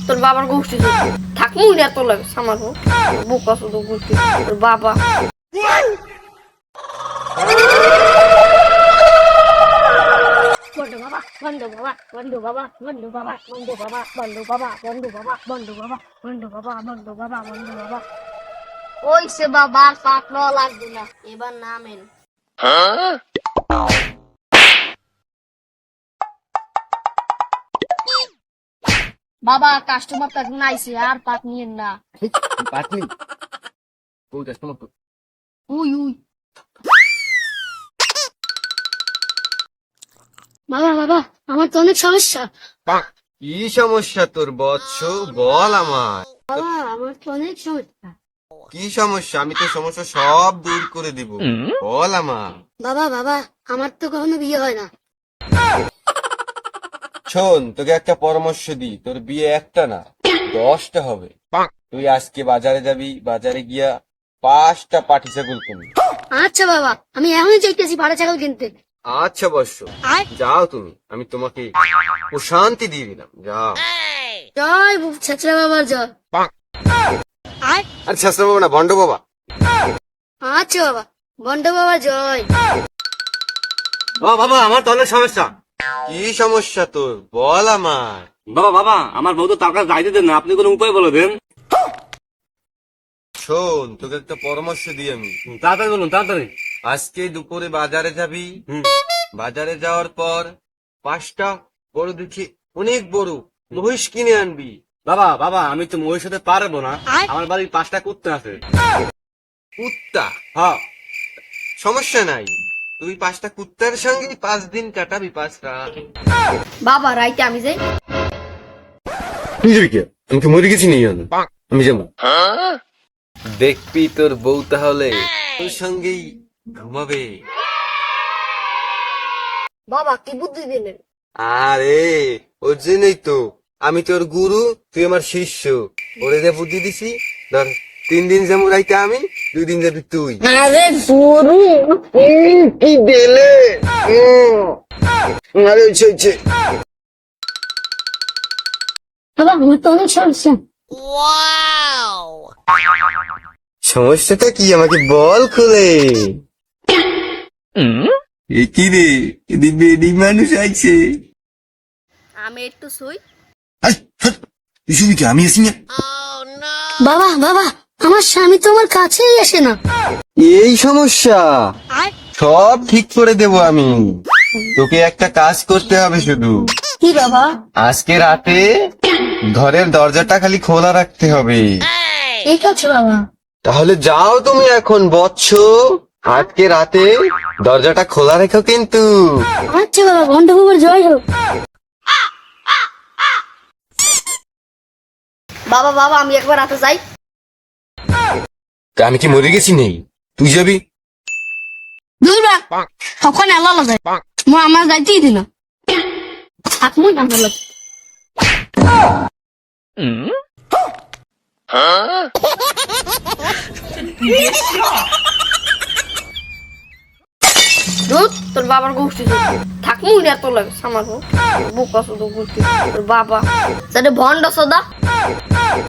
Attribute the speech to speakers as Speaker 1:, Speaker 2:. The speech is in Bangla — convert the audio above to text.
Speaker 1: তোর বাবার গোষ্ঠী থাকবো না তোর লাগে সামারবো বোকা শুধু গোষ্ঠী তোর বাবা বন্ধু বাবা বন্ধু বাবা বন্ধু বাবা বন্ধু বাবা বন্ধু বাবা বন্ধু বাবা বন্ধু বাবা বন্ধু বাবা বন্ধু বাবা বন্ধু বাবা ওই সে বাবা পাকড়া লাগবে না এবার নামেন বাবা কাস্টমার তাক নাইছে আর পাক নিয়েন না
Speaker 2: পাটনি কই কাস্টমার তো
Speaker 1: উই উই বাবা বাবা আমার তো অনেক সমস্যা
Speaker 2: কি সমস্যা তোর বৎস বল আমার
Speaker 1: বাবা আমার তো অনেক সমস্যা
Speaker 2: কি সমস্যা আমি তো সমস্যা সব দূর করে দিব বল আমার
Speaker 1: বাবা বাবা আমার তো কখনো বিয়ে হয় না
Speaker 2: শোন তোকে একটা পরামর্শ দিই তোর বিয়ে একটা না 10টা হবে তুই আজকে বাজারে যাবি বাজারে গিয়া 5টা পাটি ছাগল কিনবি
Speaker 1: আচ্ছা বাবা আমি এখনই চাইতেছি ভাড়া ছাগল কিনতে
Speaker 2: আচ্ছা বৎস যাও তুমি আমি তোমাকে প্রশান্তি দিয়ে দিলাম যাও
Speaker 1: জয় ছেচরা বাবার জয়
Speaker 2: আরে শাস্ত্র বাবা না ভণ্ড বাবা
Speaker 1: আচ্ছা বাবা বন্ড বাবা জয়
Speaker 3: বাবা আমার তো অনেক সমস্যা।
Speaker 2: কি সমস্যা তোর বল আমার
Speaker 3: বাবা আমার বউ তো তার কাছে যাইতে দেন না, আপনি কোনো উপায় বলে দেন।
Speaker 2: শোন তোকে একটা পরামর্শ দিই আমি
Speaker 3: তাড়াতাড়ি বলুন তাড়াতাড়ি।
Speaker 2: আজকে দুপুরে বাজারে যাবি বাজারে যাওয়ার পর 5টা বড় দেখি অনেক বড় মহিষ কিনে আনবি
Speaker 3: বাবা আমি তো মহির সাথে পারবো না, আমার বাড়ির 5টা কুত্তা আছে।
Speaker 2: কুত্তা
Speaker 3: হ্যাঁ
Speaker 2: সমস্যা নাই তুই 5টা কুত্তার সঙ্গে 5 দিন কাটাবি 5টা
Speaker 1: বাবা রাইতে আমি যাই
Speaker 2: তুই যাবি কে আমি কি মরে গেছি আমি যাবো দেখবি তোর বউ তাহলে তোর সঙ্গেই ঘুমাবে
Speaker 1: বাবা কি বুদ্ধি দিলেন
Speaker 2: আরে ওর জন্যই তো আমি তোর গুরু তুই আমার শিষ্য ওরে যে বুদ্ধি দিছি ধর 3 দিন যেমন রাইতে আমি 2 দিন যাবি তুই
Speaker 1: আরে গুরু
Speaker 2: কি দিলে আরে হচ্ছে
Speaker 1: বাবা আমার তো অনেক সমস্যা
Speaker 2: সমস্যাটা কি আমাকে বল খুলে কি রে বেডি মানুষ আছে
Speaker 1: আমি একটু শুই
Speaker 2: তুই কি আমি আসি না
Speaker 1: বাবা বাবা আমার স্বামী তো আমার কাছেই আসে না
Speaker 2: এই সমস্যা সব ঠিক করে দেব আমি তোকে একটা কাজ করতে হবে শুধু
Speaker 1: কি বাবা
Speaker 2: আজকে রাতে ঘরের দরজাটা খালি খোলা রাখতে হবে
Speaker 1: ঠিক আছে বাবা
Speaker 2: তাহলে যাও তুমি এখন বৎস আজকে রাতে দরজাটা খোলা রেখো কিন্তু
Speaker 1: আচ্ছা বাবা ঘন্টা বাবার জয় হোক বাবা বাবা আমি একবার রাতে যাই
Speaker 2: আমি কি মরে গেছি নেই তুই যাবি
Speaker 1: দুর্বা তখন আল্লাহ যায় মো আমার যাইতেই দিল থাকমই না ভালো তোর বাবার গোষ্ঠী থাকমু না তোর লাগে সামারবো বোকা শুধু গোষ্ঠী তোর বাবা সেটা ভন্ড সদা